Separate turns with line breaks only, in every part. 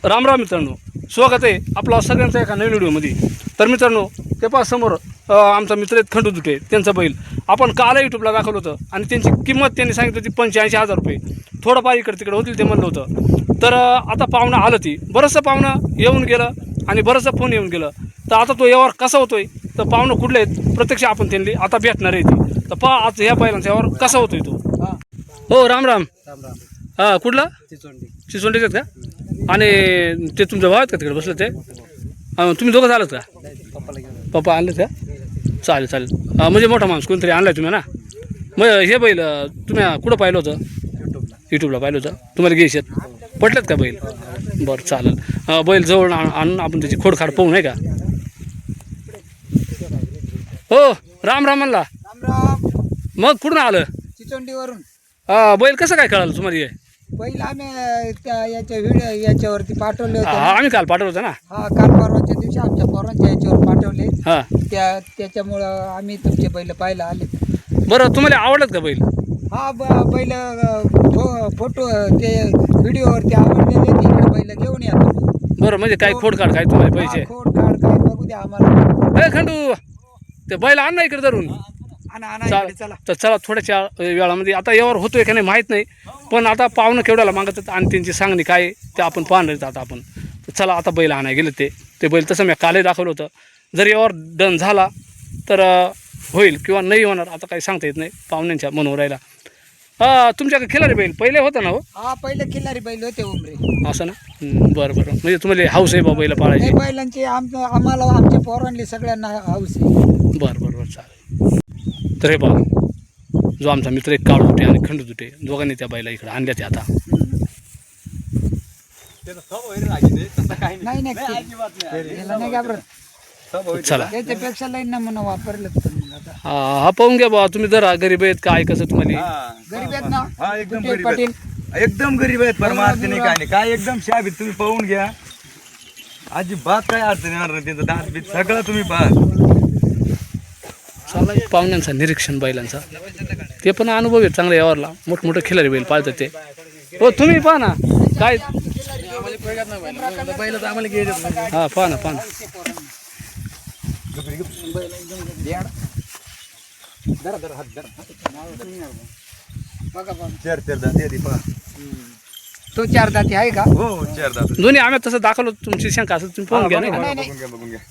राम राम मित्रांनो, स्वागत आहे आपला सगळ्यांचा एका नवीन व्हिडिओमध्ये. तर मित्रांनो, ते पास समोर आमचा मित्र आहेत खंडू दुटे, त्यांचा बैल आपण काल यूट्यूबला दाखवलं होतं आणि त्यांची किंमत त्यांनी सांगितली होती 85,000 रुपये. थोडंफार इकडे तिकडे होतील ते म्हणलं होतं. तर आता पाहुणं आलं, ती बरंचसं पाहुणं येऊन गेलं आणि बरंचसं फोन येऊन गेलं. तर आता तो यावर कसा होतोय, तर पाहुणं कुठले आहेत प्रत्यक्ष आपण त्यांनी आता भेटणार आहे ती. तर पहा आज ह्या बैलांचा यावर कसा होतोय तो. हो राम राम. हां कुठला चिचोंडीचे आहेत का? आणि ते तुमच्या भाव आहेत का तिकडे बसले ते? तुम्ही दोघं झालं का? पप्पा आणलेत का? चालेल चालेल. म्हणजे मोठा माणूस कोणतरी आणलाय तुम्ही ना? मग हे बैल तुम्ही कुठं पाहिलं होतं? यूट्यूबला पाहिलं होतं. तुम्हाला घ्यायच्यात पटलेत का बैल? बरं चालेल. बैल जवळ आणून आपण त्याची खोडखाड पाहू नाही का? हो राम राम म्हणला. मग कुठून आलं?
चिचोंडीवरून.
बैल कसं काय कळालं तुम्हाला? हे
पहिलं आम्ही त्या याच्या व्हिडिओ याच्यावरती पाठवले होते.
आम्ही काल पाठवलं होतं ना.
हा काल परवाच्या दिवशी आमच्या पोरांच्या याच्यावर पाठवले.
हां
त्याच्यामुळं आम्ही तुमचे बैल पाहायला आले.
बरं, तुम्हाला आवडलं का बैल?
हा बैल फोटो ते व्हिडिओवरती आवडलेले, तिकडे बैल घेऊन या तुम्ही.
बरं, म्हणजे काही खोडकाड काय तुम्हाला पैसे?
खोड काढ काय बघू द्या आम्हाला.
खंडू ते बैल आण ना इकडे धरून.
चला
तर चला थोड्याच्या वेळामध्ये आता यावर होतोय का नाही माहीत नाही, पण आता पाहुणं केवढ्याला मागतात आणि त्यांची सांगणी काय ते आपण पाहणार आता आपण. तर चला आता बैल आणाय गेले ते बैल तसं मी कालही दाखवलं होतं. जर यावर डन झाला तर होईल किंवा नाही होणार, आता काही सांगता येत नाही पाहुण्यांच्या मनोर राहिला. तुमच्याकडे खिलारी बैल पहिले होतं ना? हो
हा पहिले खिल्लारी बैल होते उमरे.
असं ना. बरं बरं, म्हणजे तुम्हाला हाऊस आहे बा बैल पाळायची?
बैलांची आम्हाला आमच्या पोरांनी सगळ्यांना हाऊस आहे.
बरं बरं बरं चालेल. तर हे बघा, जो आमचा मित्र एक काळू दुटे आणि खंडू दुटे दोघांनी त्या बाईला इकडे आणल्या ते आता.
नाही नाही घाबरत.
चला
त्याच्यापेक्षा लई नमुना वापरलं.
हा पाहून घ्या बा तुम्ही, जरा गरीब आहेत काय कसं तुम्हाला?
गरीब आहेत ना?
हा एकदम
कुठे
गरीब
पाटील?
आहेत. एकदम गरीब आहेत, परमार्थ नाही काय नाही, काय एकदम शाबीत तुम्ही पाहून घ्या. अजिबात काय अडचण येणार नाही, त्यांचं दात बीत सगळं तुम्ही पहा.
चला पाहुण्यांचा निरीक्षण बैलांचा ते पण अनुभव आहे चांगला यावरला. मोठमोठे खिलारी बैल पाळतात ते. हो तुम्ही पहा ना काय. हा पहा ना पहा ना.
चार दात आहे ती पहा.
तो चार दाती आहे का?
हो चार दात.
दोन्ही आम्ही तसं दाखवलं, तुमची शंका असेल तुम्ही पाहून घ्या नाही का?
बघून घ्या.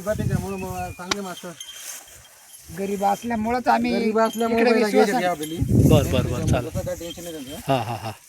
गरीब असल्यामुळेच आम्ही इकडे
बरं बरं बरं चालेल. हां हां हां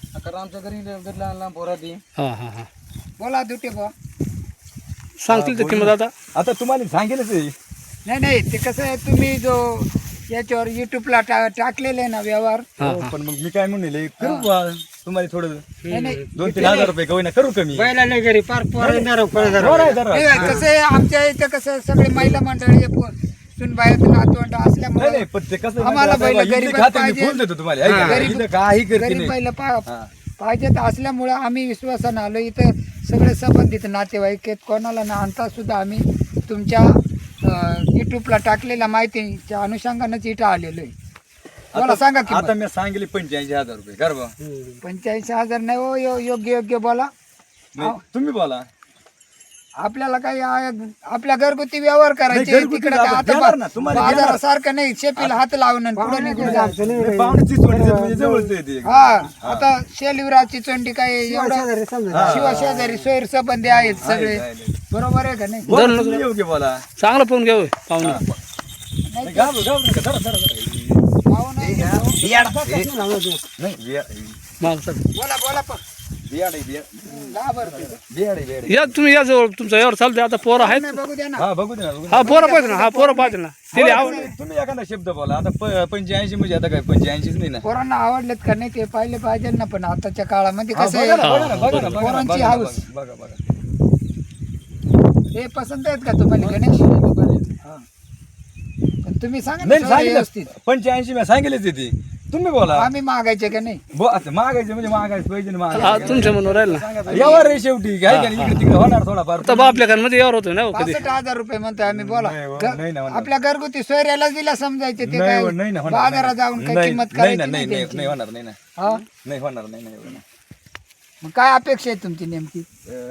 हां हां हां
बोला दुटे बा.
सांगतील तर किंमत आता.
आता तुम्हाला सांगेलच आहे.
नाही ते कसं आहे, तुम्ही जो याच्यावर युट्यूबला टाकलेले ना व्यवहार.
हां
हो,
हां
पण मग मी काय म्हणले करू बा तुम्हाला थोडं
नाही
2-3 हजार रुपये का होईना करू कमी.
घरी फार
बरं, जरा.
कसं आहे आमच्या इथं कसं सगळे महिला मंडळी सुनबाई नातवंड
नाही,
असल्यामुळे
नाही, पण ते कसं आहे
आम्हाला
माहिती आहे
बैल
का,
गरीब
इथले खाते मी
पाहिजे.
फुल देतो तुम्हाला, आहे का?
गरीब-
इथं काही करते
गरीब
नाही.
बैल
हा.
पाहिजेत असल्यामुळं आम्ही विश्वासानं आलो. इथं सगळे संबंधित नातेवाईक आहेत, कोणाला ना आणता सुद्धा आम्ही तुमच्या युट्यूबला टाकलेल्या माहितीच्या अनुषंगानंच इथं आलेलो आहे. बोला सांगा की
आता मी सांगितले 85,000 रुपये कर बा.
85,000 नाही हो, योग्य बोला.
नाही, तुम्ही बोला.
आपल्याला काही आपल्या घरगुती व्यवहार करायचे
नाही, घरगुती
तिकडे
आपण
आता
देणार ना, तुम्हाला देणार.
बाजारासारखं नाही शेपीला हात लावणं पुढे निघून जायचं.
नाही, पाहुण्याची चोंडीचं म्हणजे जवळच आहे ते.
हा आता शेलिवराची चोंडी काय एवढं शिवशेजारी सोयीर संबंधी आहेत सगळे, बरोबर आहे का नाही?
बोला, तुम्ही योग्य बोला.
चांगलं पाहून घ्या पाहुणे.
नाही, घाबरू नका. धरा.
पाहू नाही.
नाही,
मग सर
बोला पण.
बियाड आहे, बियाड.
घाबरते.
बियाड आहे, बियाड आहे.
या तुम्ही या जवळ तुमचा यावर चालते. आता पोरं आहेत.
नाही, बघू द्या ना.
हा बघू दे ना, बघू दे.
हा पोरं पाहिजे ना. हा पोरं पाहिजे ना. तिला आवड.
तुम्ही एखादा शब्द बोला. आता 85 म्हणजे आता काय 85 नाही ना.
पोरांना आवडलेत का नाही ते पाहिले पाहिजे ना. पण आताच्या काळामध्ये
हा,
कसं
बघा ना,
आहे,
बघा ना, बघा ना, बघा ना,
पोरांची
बघा ना,
हाऊस.
बघा.
हे पसंत आहेत का तुम्हाला गणेश? पण तुम्ही सांगा ना
नाही
सगळं
सांगितलं
व्यवस्थित.
85 मी सांगितलेच आहे ती. तुम्ही बोला.
आम्ही मागायचे का नाही?
आता मागायचं म्हणजे मागायचं पाहिजे ना,
हा
मागायचं.
तुमच्या मनोर राहील ना.
यावर आहे शेवटी काय का नाही, इकडे तिकडे होणार थोडाफार.
आता आपल्या घरामध्ये यावर होतोय ना. हो कधी
65,000 रुपये म्हणतोय आम्ही. बोला
नाही,
घ-
नाही ना,
आपल्या घरगुती सोयऱ्याला दिला समजायचे ते काय
नाही ना, होणार
बाजारात जाऊन काय
नाही,
किंमत
नाही ना,
करायची
नाही
नाही
नाही
त्यांची.
नाही होणार नाही ना,
हा?
नाही होणार नाही एवढं ना.
मग काय अपेक्षा आहे तुमची नेमकी?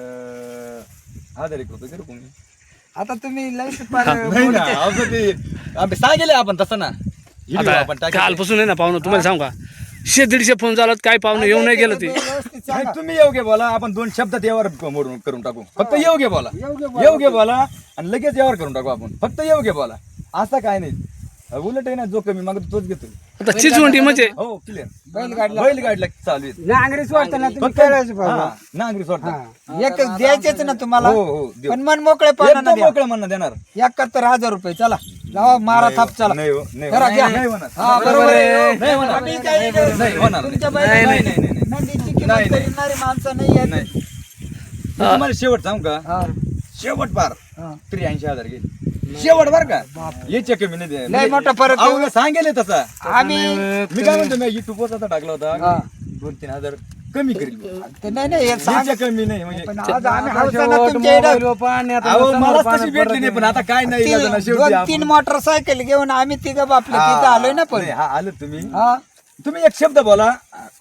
1000 रुपये करू कोणी
आता तुम्ही लई फार
नाही ना असं ते आम्ही सांगेल आपण तसं ना व्हिडिओ आपण
आता
टाकेल.
कालपासून आहे ना पाहुणं तुम्हाला सांगू का 100-150 फोन झाला काय पाहुणे येऊ नाही गेलं ते
व्यवस्थित
नाही,
सांगा.
तुम्ही योग्य बोला आपण 2 शब्दात यावर मोडून करून टाकू फक्त योग्य बोला
योग्य बोला.
योग्य बोला आणि लगेच यावर करून टाकू आपण फक्त योग्य बोला असं काय नाही उलट आहे ना जो कमी मागतो तोच घेतो
आता चिचवंटी म्हणजे
हो क्लिअर
बैलगाडीला
बैलगाडीला चालू आहे
नांगरी सोडताना तुम्ही
फक्त
खेळायचं
हा, नांगरी सोडता
एक द्यायचेच ना तुम्हाला
हो हो देऊ.
पण मन मोकळे
एकदम मोकळं म्हणणं देणार
71,000 रुपये चला लावा मारा थाप चला
नाही हो, नाही
करा,
होणार.
घ्या.
नाही होणार.
हा, बरोबर आहे.
नाही होणार.
आम्ही काही
नाही होणार.
तुमच्या
नाही,
बैलाला
नाही, नाही, नाही.
नंदीची किंमत
नाही, नाही.
करणारी माणसं नाही आहेत.
नाही मी तुम्हाला शेवट सांगू का
हा,
शेवट पार
हा.
83,000 घे शेवट बर का याच्या कमी नाही दे.
लय मोठा फरक आहे.
अहो, सांगेल हे तसा
आम्ही
मी काय म्हणतो मी युट्यूबवर आता टाकला
हा.
होता 2-3 हजार कमी करील
ते नाही नाही हे सांग.
याच्या कमी नाही म्हणजे
पण आज आम्ही हौसानं तुमच्या इकडं
अहो मला तशी भेटली नाही पण आता काय नाही इलाज ना, शेवटी
2-3 मोटरसायकल घेऊन आम्ही तिघं बापले तिथं आलोय ना पण
नाही, हा आलो तुम्ही
हा
तुम्ही एक शब्द बोला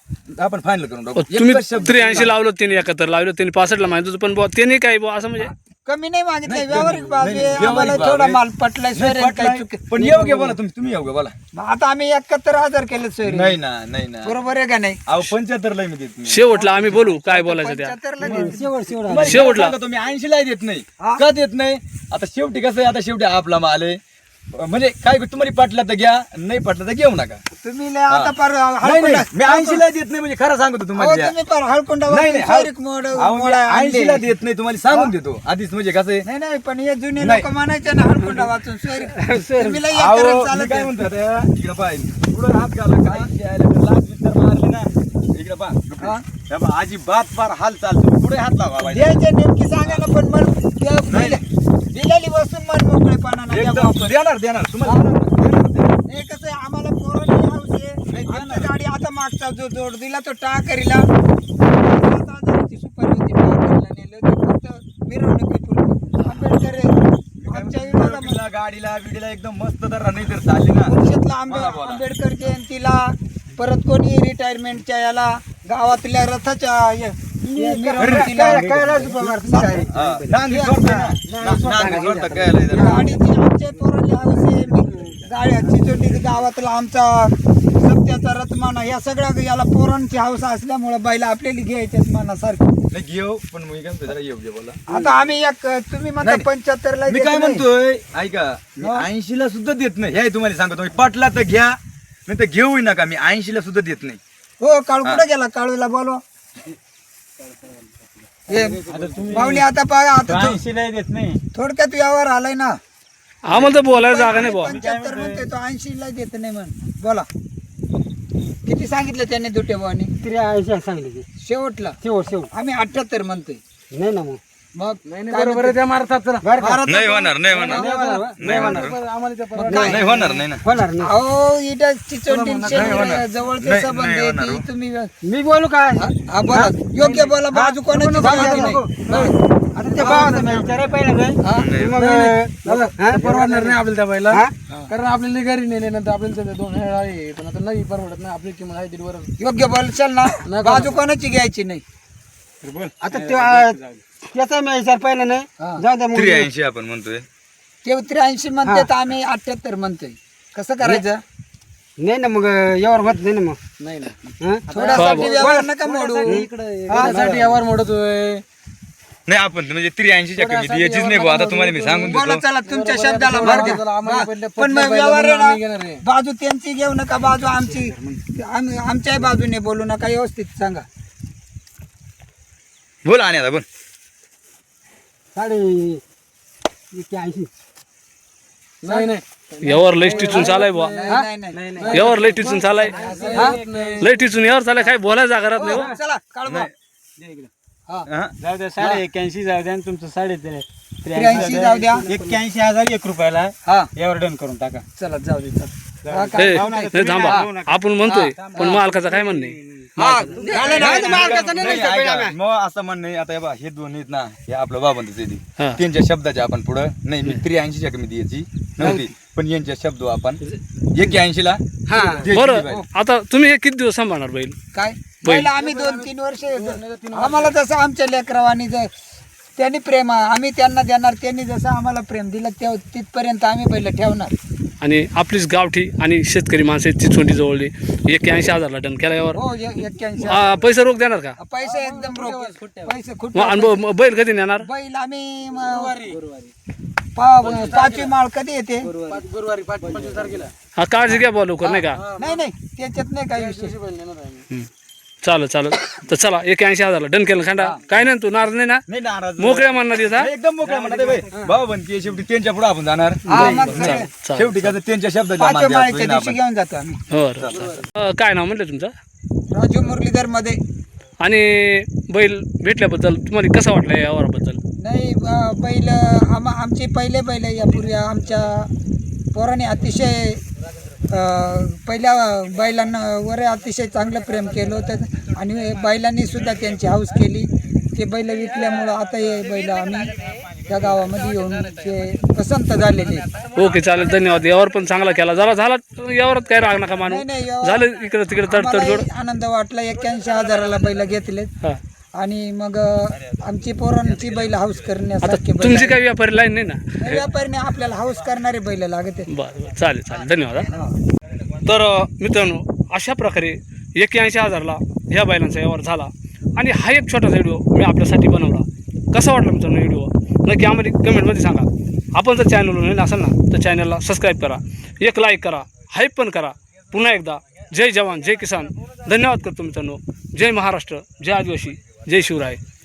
आपण फायनल करून टाकू
तुम्ही
एकच शब्द
83 लावलं त्यांनी 71 लावलं त्यांनी 65 ला माहिती होतं पण बुवा त्यांनी काय बुवा असं म्हणजे
कमी नाही मागितलं
नाही,
व्यावहारिक बाजू
नाही,
आहे.
व्यावहारिक
आम्हाला
बाजू
थोडा
आहे.
माल पटलाय
नाही,
सोयरे
पटलाय.
काही चुकी
पण योग्य बोला तुम्ही योग्य बोला
आता आम्ही 71,000 केले सोयरे
नाही ना नाही ना
बरोबर आहे का नाही
अहो 75 ला मी देत नाही.
शेवटला आम्ही बोलू काय बोलायचं त्या
75 ला देते.
तुम्हाला
शेवटला.
सांगतो, तुम्ही 80 ला देत नाही
हा.
का देत नाही आता शेवटी कसं आहे आता शेवटी आपला माल आहे म्हणजे काय तुम्हाला पटला तर घ्या नाही पटला तर घेऊ नका
तुम्ही लय आता पार
नाही
हळकुंडा
नाही, मी 80 ला देत नाही म्हणजे खरं सांगतो
अहो,
तुम्हाला द्या.
तुम्ही पार हळकुंडा
नाही
वाजून
नाही
सोयरीक मोड मोडा आणले.
80 ला देत नाही तुम्हाला सांगून देतो आधीच म्हणजे कसं आहे
नाही नाही पण हे जुने
नाही.
लोक म्हणायचे ना हळकुंडा वाचून सोयरीक तुम्ही लय
अहो,
एकरच
मी
चालत
काय
आहे.
म्हणतो आता, इकडं पाय पुढं हात घाला काय खेळायला तर लाथ बिस्तर मारली ना इकडं पहा. हे पहा, अजिबात फार हाल चालतो पुढे हात लावा बाई.
द्यायचे नेमकी सांगा ना पण मन दिलेली वस्तू मन मोकळेपणानं द्या
एकदम
वापस.
देणार तुम्हाला देणार.
हे कसं आहे आम्हाला पोरांची हौस आहे. आमची गाडी आता मागचा जो जोड दिला तो टाकरीला 7,000ची सुपारी होती टाकरीला नेलं होतं. फक्त मिरवणुकीपुरती आंबेडकर आहे. आमच्या विभागामध्ये
गाडीला गाडीला बिडीला एकदम मस्त तर नाही तर चालली ना
परिषदला
बोला, बोला.
आंबेडकर जयंतीला परत कोणी रिटायरमेंटच्या याला गावातल्या रथाच्या मिरवणुकीला
हा, नांगी सोडतं ना. नांगी सोडतं, कळलं इथं.
गाडीची आमच्या पोरांची हौस आहे. गाड्याची चिचोटी गावातला आमचा सत्याचा रथ म्हणा या सगळ्या याला पोरांची हौस असल्यामुळे बैल आपल्याला घ्यायच्याच मनासारखी
नाही घेऊ पण मी काय म्हणतो जरा योग्य बोला
आता आम्ही एक तुम्ही म्हणता
नाही.
75 ला
मी
देत
काय
नाही.
म्हणतोय ऐका मी 80 ला सुद्धा देत नाही हे तुम्हाला सांगतो मी पटला तर घ्या नाही तर घेऊ नका मी 80 ला सुद्धा देत नाही
हो काळू कुठे गेला काळूला बोलवा पाहुणे आता बघा आता
देत नाही
थोडक्यात व्यवहार आलाय ना
आम्हाला तर बोलायला जागा नाही बुवा
75 म्हणते तो 80 ला देत नाही म्हण बोला किती सांगितलं त्याने दुटे भावानी
83 सांगली ती
शेवटला
शेवट
आम्ही 78 म्हणतोय
नाही ना मग
मग
बरोबर आहे त्या मारतात चला
नाही होणार नाही होणार नाही होणार नाही होणार नाही ना
होणार नाही
अहो इथं चिचोटी जवळचे
नाही,
संबंध
नाही
आहे
होणार,
ती
हो.
तुम्ही
मी बोलू काय
हा, बोला योग्य बोला बाजू कोणाची सांगायची नाही.
आता ते भावाचं मी विचारायला पाहिलं काय
हा?
परवडणार नाही आपल्याला त्या बाईला
हा?
कारण आपल्याला घरी नेले नंतर आपल्याला ते 2 वेळा आहे पण आता नाही परवडत नाही आपली किंमत आहे 1.5 वर
योग्य बोलशाल ना बाजू कोणाची घ्यायची नाही
आता त्याचा मी विचार पाहिला नाही जाऊ द्या मग
83 आपण म्हणतोय
ते 83 म्हणते तर आम्ही 78 म्हणतोय कसं करायचं
नाही ना मग यावर होत नाही ना मग
नाही ना
हा?
थोड्यासाठी व्यवहार नका मोडू
त्यासाठी यावर मोडतोय
नाही आपण म्हणजे 83 च्या कमी द्यायचीच नाही बुवा. आता तुम्हाला मी सांगून
बोला
देतो
चला तुमच्या शब्दाला मार द्या.
आम्हाला
हा,
पडलं
पण मग
पडलं
व्यवहार आहे
नाही घेणार
ना
आहे.
बाजू त्यांची घेऊ नका बाजू आमची आमच्याही बाजूने बोलू नका व्यवस्थित सांगा
बोल आणि आता बोल
81
नाही नाही
यावर लय टिचून चालाय बुवा
नाही नाही नाही
यावर लय टिचून चालाय लय टिचून यावर चालाय काय बोलायला जागा राहत नाही हो.
चला काढू
हा?
जाऊ द्या 81 जाऊ द्या आणि तुमचं
83 जाऊ द्या
81,001 रुपयाला
हा
यावर डन करून टाका
चला जाऊ दे चला हा,
ए,
काय?
नाही थांबा आपण म्हणतोय पण मालकाचं काय म्हणणे
हा, झालं ना?
नाही, ऐका, मग असं म्हण नाही आता हे बघा, हे दोन आहेत ना हे आपलं बाबांचं
हा.
त्यांच्या शब्दाच्या आपण पुढं नाही मी 83 च्या कमी द्यायची नव्हती पण यांच्या शब्द आपण 81 ला
हा
द्यायची
बरं
बाई.
आता तुम्ही हे किती दिवस सांभाळणार बैल
काय पहिला आम्ही 2-3 वर्ष आम्हाला जसं आमच्या लेकरावानी त्यांनी प्रेम आम्ही त्यांना देणार, त्यांनी जसं आम्हाला प्रेम दिलं तिथपर्यंत आम्ही बैल ठेवणार.
आणि आपलीच गावठी आणि शेतकरी माणसं आहेत चिचोंडी जवळली 81,000ला डन केला यावर.
हो 81.
पैसे रोख देणार का?
पैसे एकदम रोख, पैसे खूप.
मग अनुभव बैल कधी नेणार?
बैल आम्ही 5वी माळ कधी येते?
गुरुवारी 25 तारखेला.
हा काळजी घ्या बुवा लवकर नाही का?
नाही त्याच्यात नाही काही विषय.
चालेल तर चला 81,000ला डन केलं खांडा. काय नाही तू नाराज नाही ना?
नाही नाराज
मोकळ्या म्हणणार येत हा?
एकदम मोकळ्या म्हणा भाई भाऊ बनते शेवटी त्यांच्या पुढे आपण जाणार.
हा, मग सगळे
चालेल.
शेवटी कसं त्यांच्या शब्दाच्या
5व्या
मागे
माळीच्या
आपण.
दिवशी घेऊन जातो आम्ही.
हो काय नाव म्हटलं तुमचं?
राजू मुरलीधर मध्ये.
आणि बैल भेटल्याबद्दल तुम्हाला कसं वाटलं या व्यवहाराबद्दल?
नाही बैल आमचे पहिले बैल यापूर्वी आमच्या पोराने अतिशय पहिल्या बैलांवर अतिशय चांगलं प्रेम केलं होतं आणि बैलांनी सुद्धा त्यांची हौस केली. ते बैल विकल्यामुळं आता हे बैल आम्ही त्या गावामध्ये येऊन ते पसंत झालेले.
ओके चालेल धन्यवाद. यावर पण चांगला केला झाला यावरात काय राग नका मानू.
नाही, यावर
झालं इकडे तिकडे तडतड
आम्हालाही आनंद वाटला. 81,000ला बैल घेतलेत
हा.
आणि मग आमची पोरांची बैल हाऊस
आता
करण्यासारखे बैल
तुमची काही व्यापारी लाईन नाही ना?
नाही, व्यापारीने आपल्याला हाऊस करणारे बैल लागत आहेत.
बरं चालेल धन्यवाद हा. तर मित्रांनो अशा प्रकारे 81,000ला ह्या बैलांचा व्यवहार झाला. आणि हा एक छोटासा व्हिडिओ मी आपल्यासाठी बनवला. कसा वाटला मित्रांनो व्हिडिओ नक्की आम्हाला कमेंटमध्ये सांगा. आपण जर चॅनलवर नवीन असाल ना तर चॅनलला सबस्क्राईब करा, एक लाईक करा, हाईप पण करा. पुन्हा एकदा जय जवान जय किसान. धन्यवाद करतो मित्रांनो. जय महाराष्ट्र, जय आदिवासी, जय शिवराय.